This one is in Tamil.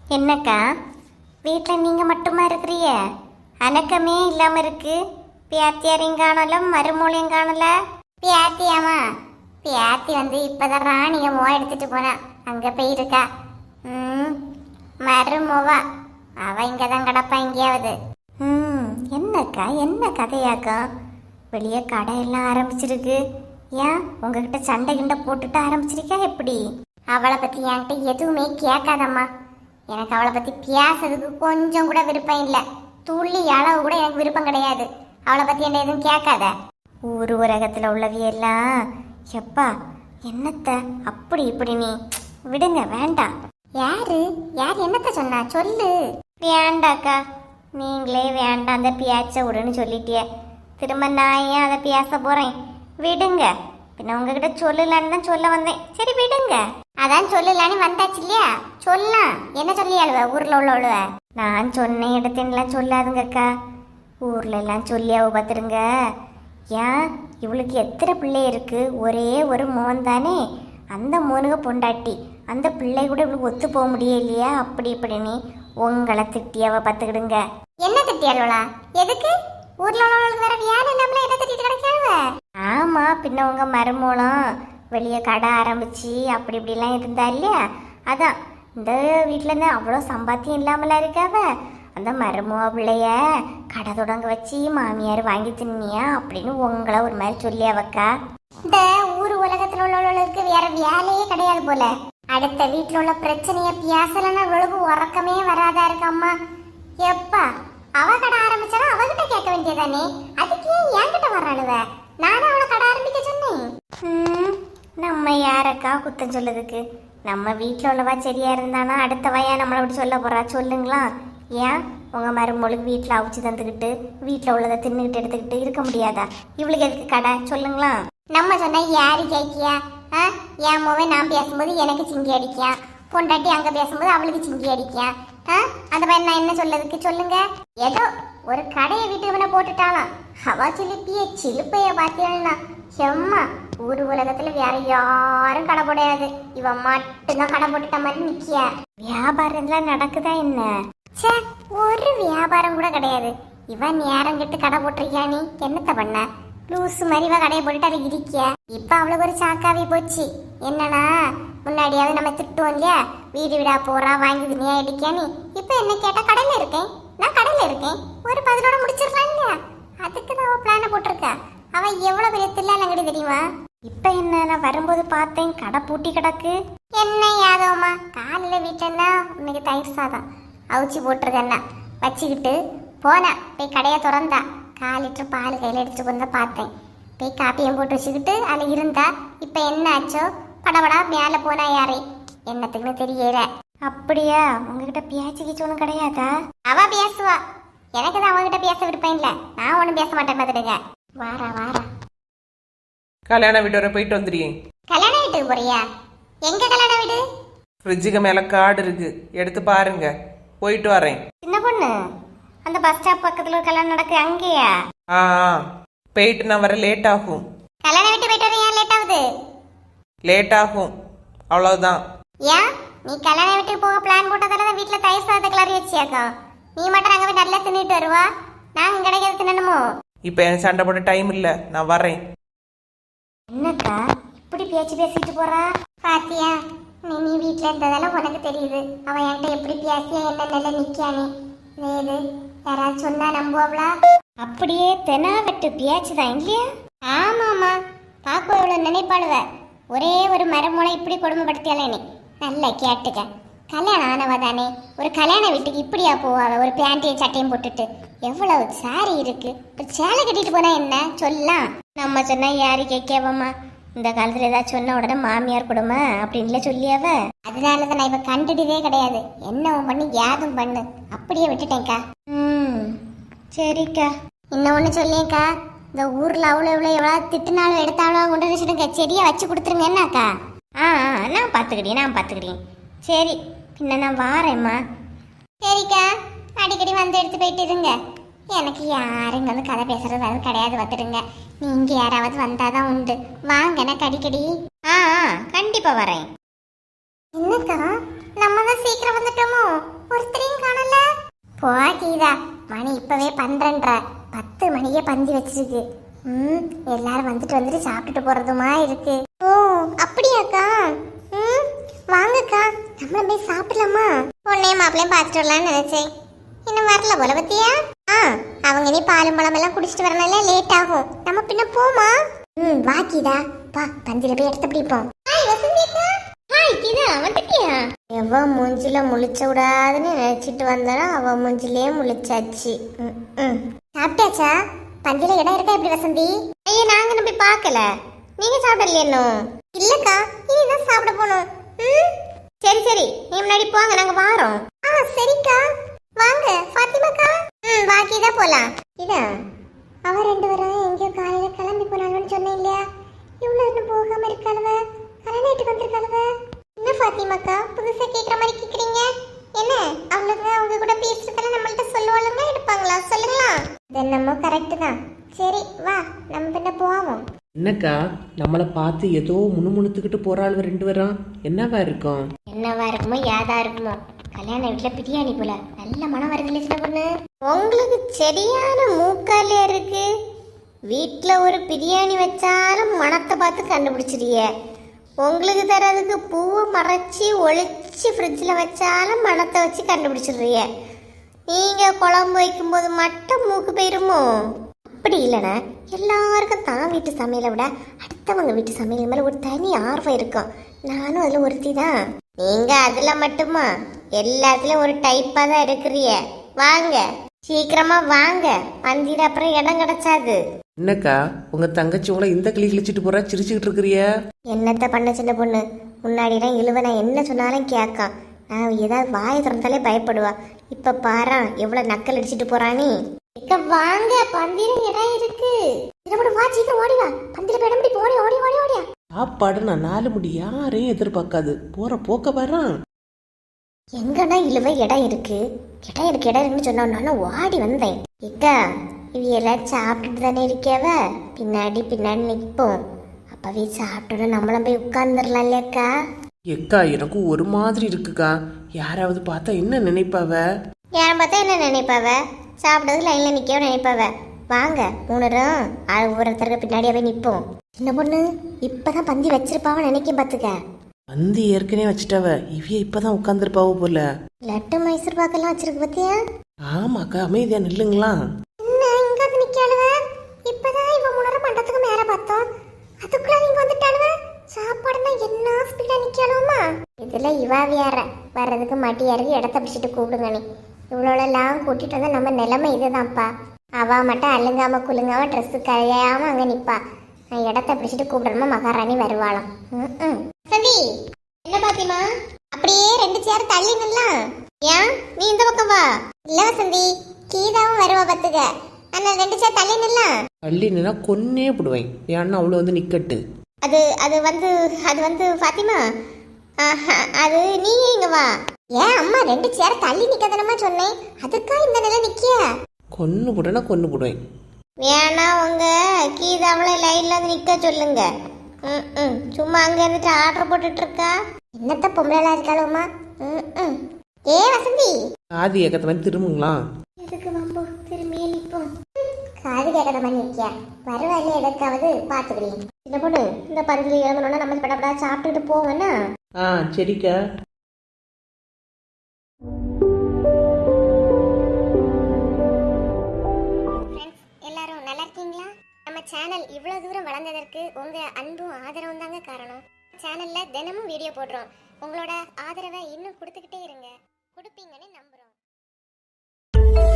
என்னக்கா வீட்டில் நீங்கள் மட்டுமா இருக்கிறிய? அணக்கமே இல்லாமல் இருக்கு. பியாத்தியாரையும் காணல, மருமூளையும் காணல. பியாத்தியாமா? பியாத்தி இப்போதான் ராணியை மோ எடுத்துட்டு போனா, அங்கே போயிருக்கா. மருமோவா அவ இங்கே தான் கிடப்பா எங்கேயாவது. என்னக்கா என்ன கதையாக்கா? வெளியே கடையெல்லாம் ஆரம்பிச்சிருக்கு. ஏன் உங்ககிட்ட சண்டை கிண்டை போட்டுட்டு ஆரம்பிச்சிருக்கா எப்படி? அவளை பற்றி என்கிட்ட எதுவுமே கேட்காதம்மா. எனக்கு அவளை பற்றி பேசுறதுக்கு கொஞ்சம் கூட விருப்பம் இல்லை. துள்ளி அளவு கூட எனக்கு விருப்பம் கிடையாது. அவளை பற்றி என்ன எதுவும் கேட்காத. ஊர் உலகத்தில் உள்ளவியெல்லாம் எப்பா என்னத்த அப்படி இப்படி நீ விடுங்க, வேண்டாம். யாரு யார் என்னத்த சொன்னா சொல்லு. வேண்டாக்கா, நீங்களே வேண்டாம் அந்த பேச்ச விடுன்னு சொல்லிட்டிய. திரும்ப நான் ஏன் அதை பேச போகிறேன்? விடுங்க. பின்ன உங்ககிட்ட சொல்லலான்னு தான் சொல்ல வந்தேன். சரி விடுங்க. அதான் சொல்லலான்னு வந்தாச்சு இல்லையா, சொல்லலாம். என்ன சொல்லி அழுவ ஊரில் உள்ளவளுவ? நான் சொன்ன இடத்துலாம் சொல்லாதுங்கக்கா. ஊர்ல எல்லாம் சொல்லி அவ பார்த்துருங்க. ஏன் இவளுக்கு எத்தனை பிள்ளை இருக்கு? ஒரே ஒரு மோன் தானே. அந்த மோனுக பொண்டாட்டி. அந்த பிள்ளை கூட இவளுக்கு ஒத்து போக முடியலையா? அப்படி இப்படின்னு உங்களை திட்டியாவ பார்த்துக்கிடுங்க. என்ன திட்டியாளா? எதுக்கு? ஊர்ல உள்ளவங்களுக்கு வேற வேலை இல்லாமல என்ன திட்டிட்டு கிடைக்காவ? ஆமா, பின்ன உங்க மருமூலம் வெளியே கடை ஆரம்பிச்சு அப்படி இப்படிலாம் இருந்தா இல்லையா, அதான் இந்த வீட்டுல இருந்து அவ்வளோ சம்பாத்தியம் இல்லாமல இருக்காவ. அந்த மருமூவ பிள்ளைய கடை தொடங்க வச்சு மாமியார் வாங்கி தின்னியா அப்படின்னு உங்களை ஒரு மாதிரி சொல்லியாவக்கா. இந்த ஊர் உலகத்துல உள்ளவர்களுக்கு வேற வேலையே கிடையாது போல. அடுத்த வீட்டுல உள்ள பிரச்சனைய பேசலன்னா இவளுக்கு உறக்கமே வராதா இருக்கம்மா. எப்பா அவ கடை ஆரம்பிச்சாலும் அவகிட்ட கேட்க வேண்டியதானே, அதுக்கு ஏன் என்கிட்ட வர்றாளுவ? நானும் அவளை கடை ஆரம்பிக்க சொன்னேன். நம்ம யாரக்கா குத்தம் சொல்லதுக்கு? நம்ம வீட்டில் உள்ளவா சரியா இருந்தானா அடுத்த வயா நம்மளை அப்படி சொல்ல போறா? சொல்லுங்களா. ஏன் உங்க மருமகளுக்கு வீட்டில் அவிச்சு தந்துக்கிட்டு வீட்டில் உள்ளதை தின்னுக்கிட்டு எடுத்துக்கிட்டு இருக்க முடியாதா? இவளுக்கு எதுக்கு கடை? சொல்லுங்களா. நம்ம சொன்னா யாரு கேட்கியா? என் மூவே நான் பேசும்போது எனக்கு சிங்கி அடிக்கியா, பொண்டாட்டி அங்க பேசும்போது அவளுக்கு சிங்கி அடிக்கியா? அந்த பையன் நான் என்ன சொல்லதுக்கு? சொல்லுங்க. ஏதோ ஒரு கடையை வீட்டு போட்டுட்டாலாம். அவ சிலிப்பிய சிலுப்பைய பார்த்தீங்கன்னா செம்மா. ஊர் உலகத்துல வேற யாரும் கடை போடையாது, இவ மட்டும்தான் கடை போட்டுட்ட மாதிரி நிக்கியா. வியாபாரம் எல்லாம் நடக்குதா என்ன? சே, ஒரு வியாபாரம் கூட கிடையாது. இவன் நேரம் கெட்டு கடை போட்டிருக்கியா? நீ என்னத்த பண்ண? லூசு மாதிரி இவ கடையை போட்டுட்டு அதை இடிக்கிய. இப்ப அவளுக்கு ஒரு சாக்காவே போச்சு. என்னன்னா முன்னாடியாவது நம்ம திட்டுவோம் இல்லையா, வீடு வீடா போறா வாங்கி துணியா அடிக்கியா. நீ இப்ப என்ன கேட்டா கடையில இருக்கேன், நான் கடையில இருக்கேன், ஒரு பதிலோட முடிச்சிடலாம் இல்லையா? அதுக்கு தான் அவ பிளான போட்டிருக்கா. அவ எவ்வளவு பெரிய தில்லாலங்கடி தெரியுமா? இப்ப என்ன, நான் வரும்போது பார்த்தேன் கடை பூட்டி கிடக்கு. என்ன யாதவமா, காலையில வீட்டுல இன்னைக்கு தயிர் சாதம் அவிச்சு போட்டிருக்கேன்னா வச்சுக்கிட்டு போனா போய் கடையை திறந்தா 1/4 லிட்டர் பால் கையில எடுத்துட்டு வந்து பார்த்தேன். போய் காப்பியும் போட்டு வச்சுக்கிட்டு அதில் இருந்தா. இப்ப என்ன ஆச்சோ படபடா மேல போனா யாரே என்னத்துக்குன்னு தெரியல. அப்படியா? உங்ககிட்ட பேச்சுக்கிச்சு ஒன்றும் கிடையாதா? அவ பேசுவா, எனக்கு தான் அவகிட்ட பேச விருப்பம் இல்லை. நான் ஒன்றும் பேச மாட்டேன் பார்த்துடுங்க. வாரா வாரா. கல்யாண வீட்டு வர போயிட்டு வந்துடுறேன். கல்யாண வீட்டுக்கு போறியா? எங்க கல்யாண வீடு? ஃப்ரிட்ஜுக்கு மேல கார்டு இருக்கு, எடுத்து பாருங்க. போயிட்டு வரேன். சின்ன பொண்ணு, அந்த பஸ் ஸ்டாப் பக்கத்துல ஒரு கல்யாணம் நடக்கு, அங்கேயா? ஆ போயிட்டு நான் வர லேட் ஆகும். கல்யாண வீட்டு போயிட்டு வர ஏன் லேட் ஆகுது? லேட் ஆகும், அவ்வளவுதான். ஏன் நீ கல்யாண வீட்டுக்கு போக பிளான் போட்டதால வீட்டுல தயிர் சாதத்தை கிளறி வச்சியாக்கா. நீ மட்டும் அங்க போய் நல்லா தின்னுட்டு வருவா, நாங்க கிடைக்கிறது தின்னணுமோ? இப்ப எனக்கு சண்டை போட டைம் இல்ல, நான் வரேன். என்னக்கா இப்படி பேச்சு பேசிட்டு போறா? பாத்தியா, நீ வீட்டுல இருந்ததால உனக்கு தெரியுது அவ என்கிட்ட எப்படி பேசியா என்ன நல்ல நிக்கானே. இது யாராவது சொன்னா நம்புவாங்களா? அப்படியே தெனா வெட்டு பேச்சுதான் இல்லையா? ஆமாமா, பாக்கு எவ்வளவு நினைப்பாளுவ. ஒரே ஒரு மரமூளை இப்படி கொடுமைப்படுத்தியாலே நீ நல்லா கேட்டுக்க. கல்யாணம் ஆனவ தானே, ஒரு கல்யாண வீட்டுக்கு இப்படியா போவாவ? ஒரு பேண்டையும் சட்டையும் போட்டுட்டு எவ்வளவு சாரி இருக்கு, ஒரு சேலை கட்டிட்டு போனா என்ன சொல்லலாம். நம்ம சொன்னா யாரு கேட்கவம்மா? இந்த காலத்துல ஏதாவது சொன்ன உடனே மாமியார் கொடுமை அப்படின்ல சொல்லியாவ. அதனாலதான் நான் இப்ப கண்டுட்டதே கிடையாது. என்னவும் பண்ணி யாதும் பண்ணு, அப்படியே விட்டுட்டேன்க்கா. சரிக்கா. இன்னும் ஒண்ணு சொல்லியேக்கா, இந்த ஊர்ல அவ்வளோ இவ்வளோ எவ்வளவு திட்டுனாலும் எடுத்தாலும் கொண்டு வச்சுடுங்க, செடியா வச்சு கொடுத்துருங்க என்னக்கா? நான் பாத்துக்கிட்டேன். சரி, பின்ன நான் வாரேம்மா. சரிக்கா, அடிக்கடி வந்து எடுத்து போயிட்டு இருங்க. எனக்கு யாரும் இங்க வந்து கதை பேசுறது அது கிடையாது, வந்துடுங்க. நீங்க யாராவது வந்தாதான் உண்டு. வாங்க எனக்கு அடிக்கடி. கண்டிப்பா வரேன். என்னக்கா, நம்ம தான் சீக்கிரம் வந்துட்டோமோ? ஒருத்தரையும் காணல. போ கீதா, மணி இப்பவே 12:30. 10 மணிக்கே பந்தி வச்சிருக்கு. எல்லாரும் வந்துட்டு சாப்பிட்டுட்டு போறதுமா இருக்கு. ஓ அப்படியாக்கா? வாங்கக்கா, நம்ம போய் சாப்பிடலாமா? உன்னையும் மாப்பிள்ளையும் பார்த்துட்டு வரலாம்னு நினைச்சேன். இன்னும் வரல போல பத்தியா? அவங்க நீ பாலும் பழம் எல்லாம் குடிச்சிட்டு வரனால லேட் ஆகும். நம்ம பின்ன போமா? வா கீதா, வா பந்தில போய் எடுத்து பிடிப்போம். எவ மூஞ்சில முழிச்ச விடாதுன்னு நினைச்சிட்டு வந்தானா அவ மூஞ்சிலே முழிச்சாச்சு. சாப்பிட்டாச்சா? பந்தில இடம் இருக்கா எப்படி வசந்தி? ஐயா நாங்க நம்ம போய் பார்க்கல. நீங்க சாப்பிடலையா இன்னும்? இல்லக்கா, இனிதான் சாப்பிட போனோம். சரி சரி, நீ முன்னாடி போங்க, நாங்க வாரோம். சரிக்கா, வாங்க ஃபாத்திமாக்கா. வாக்கிதான் போலாம். இதா அவ 2 பேரும் எங்கேயோ காலையில கிளம்பி போனாங்கன்னு சொன்னேன் இல்லையா? இவ்வளவு இன்னும் போகாம இருக்காளுவ, கல்யாணத்துக்கு வந்திருக்காளுவ. என்ன ஃபாத்திமாக்கா புதுசா கேக்குற மாதிரி கேக்குறீங்க? என்ன அவளுங்க அவங்க கூட பேசுறதுல நம்மள்ட்ட சொல்லுவாளுங்க, எடுப்பாங்களா? சொல்லுங்களா? என்னமோ கரெக்ட் தான். சரி வா, நம்ம பின்ன போவோம். என்னக்கா நம்மளை பார்த்து ஏதோ முணுமுணுத்துக்கிட்டு போறாள் 2 பேரும். என்னவா இருக்கும்? என்னவா இருக்குமோ ஏதா இருக்குமோ. கல்யாண வீட்டுல பிரியாணி போல நல்ல மனம் வருது சின்ன பொண்ணு. உங்களுக்கு சரியான மூக்காலியா இருக்கு. வீட்டுல ஒரு பிரியாணி வச்சாலும் மனத்தை பார்த்து கண்டுபிடிச்சிருக்க. உங்களுக்கு தரதுக்கு பூவை மறைச்சி ஒளிச்சு ஃப்ரிட்ஜில் வச்சாலும் மனத்தை வச்சு கண்டுபிடிச்சிடுறிய. நீங்க குழம்பு வைக்கும்போது மட்டும் மூக்கு போயிருமோ? அப்படி இல்லைன்னா எல்லாருக்கும் தான் வீட்டு சமையலை விட அடுத்தவங்க வீட்டு சமையல் மேலே ஒரு தனி ஆர்வம் இருக்கும். நானும் அதில் ஒருத்தி தான். நீங்க அதுல மட்டுமா எல்லாத்துலயும் ஒரு டைப்பா தான் இருக்கிறிய. வாங்க சீக்கிரமா வாங்க, பந்தியில அப்புறம் இடம் கிடைச்சாது. என்னக்கா உங்க தங்கச்சி உங்களை இந்த கிளி கிழிச்சிட்டு போறா, சிரிச்சுக்கிட்டு இருக்கிறிய? என்னத்த பண்ண சின்ன பொண்ணு, முன்னாடிலாம் இழுவ நான் என்ன சொன்னாலும் கேட்கான். நான் ஏதாவது வாயை திறந்தாலே பயப்படுவா. இப்ப பாரா எவ்வளவு நக்கல் அடிச்சிட்டு போறானே. வாங்க பந்தியில இடம் இருக்கு. வா சீக்கிரம் ஓடி வா, பந்தியில இடம் பிடி. ஓடி ஓடி ஓடி ஓடியா. சாப்பாடு நான் 4 முடி யாரையும் எதிர்பார்க்காது. போற போக்க வரான். எங்கன்னா இழுவ இடம் இருக்கு, இடம் இருக்குன்னு சொன்னோம்னால ஓடி வந்தேன். இக்கா இவையெல்லாம் சாப்பிட்டுட்டு தானே இருக்கவ, பின்னாடி பின்னாடி நிற்போம். அப்பவே சாப்பிட்டோன்னா நம்மளும் போய் உட்கார்ந்துடலாம் இல்லையாக்கா? எக்கா எனக்கு ஒரு மாதிரி இருக்குக்கா. யாராவது பார்த்தா என்ன நினைப்பாவ? யாரும் பார்த்தா என்ன நினைப்பாவ? சாப்பிட்டது லைன்ல நிற்கவும் நினைப்பாவ. வாங்க 3 பேரும் ஒவ்வொருத்தருக்கு பின்னாடியாவே நிற்போம். சின்ன பொண்ணு இப்பதான் பந்தி வச்சிருப்பாவ நினைக்க பாத்துக்க. பந்தி ஏற்கனவே வச்சுட்டாவ, இவைய இப்பதான் உட்காந்துருப்பாவ போல. லட்டு மைசூர் பாக்கெல்லாம் வச்சிருக்கு பத்தியா? ஆமாக்கா, அமைதியா நில்லுங்களா. என்ன இங்க வந்து நிக்காளுவ? இப்பதான் இவ 3 நேரம் மண்டத்துக்கு மேல பார்த்தோம், அதுக்குள்ள நீங்க வந்துட்டாளுவ. சாப்பாடுனா என்ன ஸ்பீடா நிக்காளுமா? இதுல இவ வேற வர்றதுக்கு மாட்டியா இருக்கு. இடத்த பிடிச்சிட்டு கூப்பிடுங்க. நீ இவ்வளோலாம் கூட்டிட்டு வந்தா நம்ம நிலைமை இதுதான்ப்பா. அவ மட்டும் அழுங்காம குலுங்காம ட்ரெஸ் கழியாம அங்க நிப்பா. நான் இடத்த பிடிச்சிட்டு கூப்பிடணுமா மகாராணி வருவாளாம். சந்தி என்ன பாத்திமா அப்படியே 2 சேர் தள்ளி நில்லாம். ஏன் நீ இந்த பக்கம் வா. இல்ல வசந்தி, கீதாவும் வருவா பத்துக்க. ஆனா 2 சேர் தள்ளி நில்லாம். தள்ளி நின்னா கொன்னே போடுவேன். ஏன்னா அவ்வளோ வந்து நிக்கட்டு. அது வந்து பாத்திமா, அது நீங்க இங்க வா. ஏன் அம்மா 2 சேர் தள்ளி நிக்கதானமா சொன்னேன், அதுக்கா இந்த நிலை நிக்கிய? கொன்னு போட்டேன்னா கொன்னு போடுவேன். வேணா உங்க கீதாவளை லைன்ல வந்து நிக்க சொல்லுங்க. சும்மா அங்க இருந்துட்டு ஆர்டர் போட்டுட்டு இருக்கா. என்னத்த பொம்பளை இருக்காளுமா. ஏ வசந்தி, காது ஏக்கத்த மாதிரி திரும்புங்களா. எதுக்கு வம்போ, திரும்பியே நிப்போம். காது கேட்கற மாதிரி நிக்கியா? வருவாயில்ல எதுக்காவது பாத்துக்கிறீங்க. இந்த பொண்ணு இந்த பந்தில எழுந்தோன்னா நம்ம படப்படா சாப்பிட்டுட்டு போவோம்னா. சரிக்கா. எல்லாரும் நல்லா இருக்கீங்களா? நம்ம சேனல் இவ்வளவு தூரம் வளர்ந்ததற்கு உங்க அன்பும் ஆதரவும் தாங்க காரணம். சேனல்ல தினமும் வீடியோ போடுறோம். உங்களோட ஆதரவை இன்னும் கொடுத்துக்கிட்டே இருங்க. கொடுப்பீங்கன்னு நம்புறோம்.